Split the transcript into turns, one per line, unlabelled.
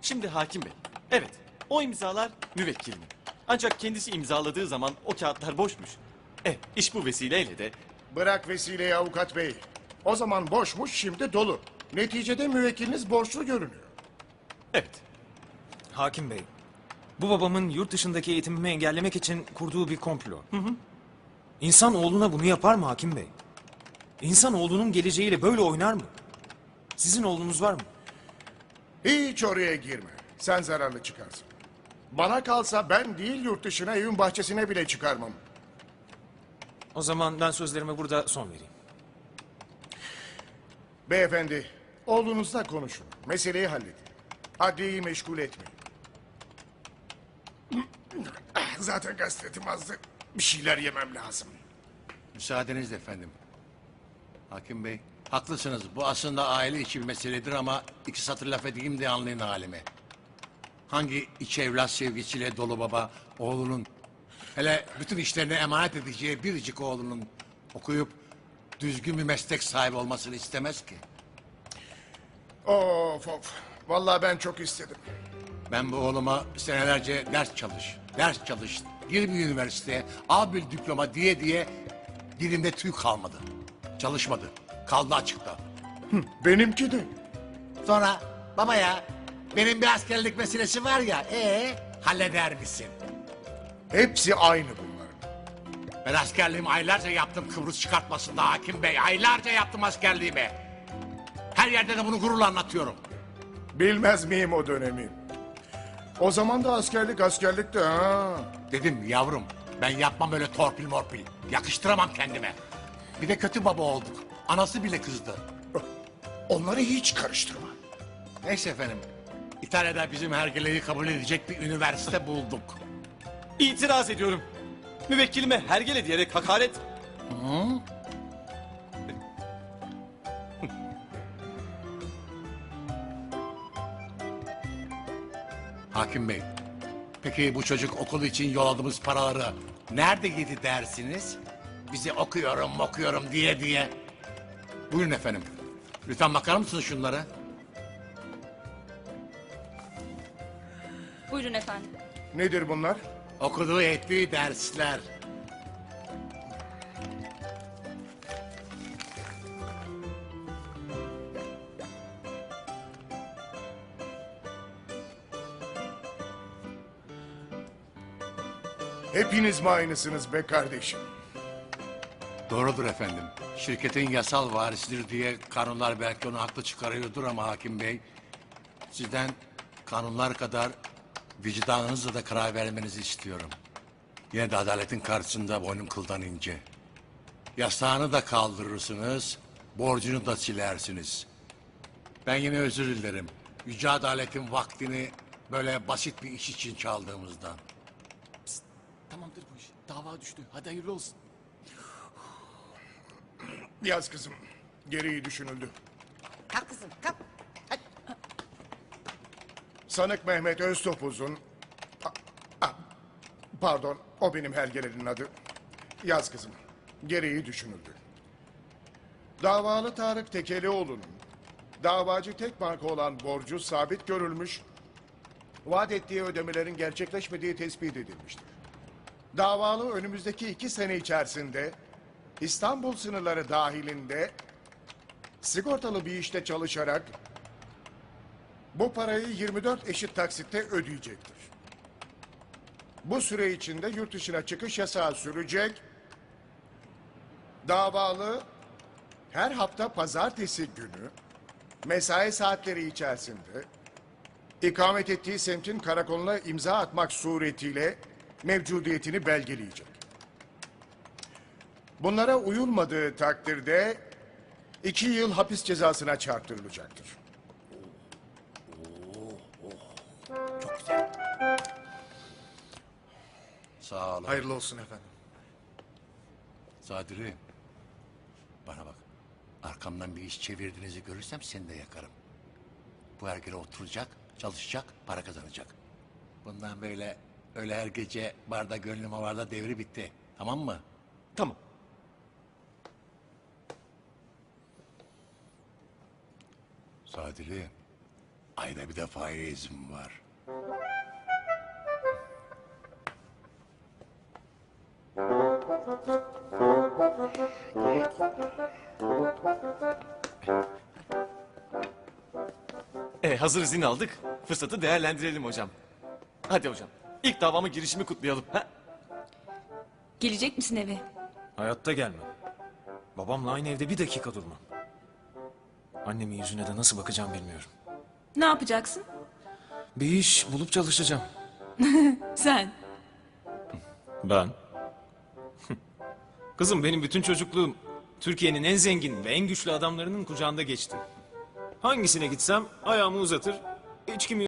Şimdi hakim bey. Evet, o imzalar müvekkilimin. Ancak kendisi imzaladığı zaman o kağıtlar boşmuş. İş bu vesileyle de...
Bırak vesileyi avukat bey. O zaman boşmuş, şimdi dolu. Neticede müvekkiliniz borçlu görünüyor.
Evet,
Hakim Bey, bu babamın yurt dışındaki eğitimimi engellemek için kurduğu bir komplo. İnsan oğluna bunu yapar mı Hakim Bey? İnsan oğlunun geleceğiyle böyle oynar mı? Sizin oğlunuz var mı?
Hiç oraya girme. Sen zararlı çıkarsın. Bana kalsa ben değil yurt dışına, evin bahçesine bile çıkarmam.
O zaman ben sözlerime burada son vereyim.
Beyefendi, oğlunuzla konuşun. Meseleyi halledin. Adliyeyi meşgul etmeyin. Zaten gazete azdı. Bir şeyler yemem lazım.
Müsaadenizle efendim. Hakim Bey, haklısınız. Bu aslında aile içi bir meseledir ama iki satır laf edeyim de anlayın halimi. Hangi iç evlat sevgisiyle dolu baba oğlunun, hele bütün işlerini emanet edeceği biricik oğlunun okuyup düzgün bir meslek sahibi olmasını istemez ki?
Of of. Vallahi ben çok istedim.
Ben bu oğluma senelerce ders çalış, gir bir üniversiteye, al bir diploma diye dilimde tüy kalmadı. Çalışmadı, kaldı açıkta.
Benimki de.
Sonra baba ya benim bir askerlik meselesi var ya halleder misin?
Hepsi aynı bunlar.
Ben askerliğimi aylarca yaptım Kıbrıs çıkartmasında hakim bey. Aylarca yaptım askerliğimi. Her yerde de bunu gururla anlatıyorum.
Bilmez miyim o dönemi? O zaman da askerlikti ha.
Dedim yavrum ben yapmam öyle torpil morpil. Yakıştıramam kendime. Bir de kötü baba olduk. Anası bile kızdı.
Onları hiç karıştırma.
Neyse efendim. İtalya'da bizim hergeleyi kabul edecek bir üniversite bulduk.
itiraz ediyorum. Müvekkilime hergele diyerek hakaret...
Hakim Bey, peki bu çocuk okul için yolladığımız paraları nerede yedi dersiniz? Bizi okuyorum diye. Buyurun efendim. Lütfen bakar mısınız şunlara?
Buyurun efendim.
Nedir bunlar?
Okuduğu ettiği dersler.
Hepiniz mi aynısınız be kardeşim?
Doğrudur efendim. Şirketin yasal varisidir diye kanunlar belki onu haklı çıkarıyordur ama hakim bey... ...sizden kanunlar kadar vicdanınızla da karar vermenizi istiyorum. Yine de adaletin karşısında boynum kıldan ince. Yasağını da kaldırırsınız, borcunu da silersiniz. Ben yine özür dilerim. Yüce adaletin vaktini böyle basit bir iş için çaldığımızdan.
Tamamdır bu iş. Dava düştü. Hadi hayırlı olsun.
Yaz kızım. Gereği düşünüldü.
Kalk kızım kalk. Hadi.
Sanık Mehmet Öztopuz'un... Pardon, o benim hergelerin adı. Yaz kızım. Gereği düşünüldü. Davalı Tarık Tekelioğlu'nun davacı tek banka olan borcu sabit görülmüş, vaat ettiği ödemelerin gerçekleşmediği tespit edilmiştir. Davalı önümüzdeki 2 sene içerisinde İstanbul sınırları dahilinde sigortalı bir işte çalışarak bu parayı 24 eşit taksitte ödeyecektir. Bu süre içinde yurt dışına çıkış yasağı sürecek. Davalı her hafta pazartesi günü mesai saatleri içerisinde ikamet ettiği semtin karakoluna imza atmak suretiyle mevcudiyetini belgeleyecek. Bunlara uyulmadığı takdirde 2 yıl hapis cezasına çarptırılacaktır.
Çok güzel. Sağ olun.
Hayırlı olsun efendim.
Sadri, bana bak. Arkamdan bir iş çevirdiğinizi görürsem seni de yakarım. Bu hergele oturacak, çalışacak, para kazanacak. Bundan böyle öyle her gece barda gönlüm havarda devri bitti. Tamam mı?
Tamam.
Sadri, Ayda bir defaya izin var.
Hazır izin aldık. Fırsatı değerlendirelim hocam. Hadi hocam. İlk davama girişimi kutlayalım. Ha?
Gelecek misin eve?
Hayatta gelmem. Babamla aynı evde bir dakika durmam. Annemin yüzüne de nasıl bakacağım bilmiyorum.
Ne yapacaksın?
Bir iş bulup çalışacağım.
Sen.
Ben? Kızım benim bütün çocukluğum Türkiye'nin en zengin ve en güçlü adamlarının kucağında geçti. Hangisine gitsem ayağımı uzatır, içkimi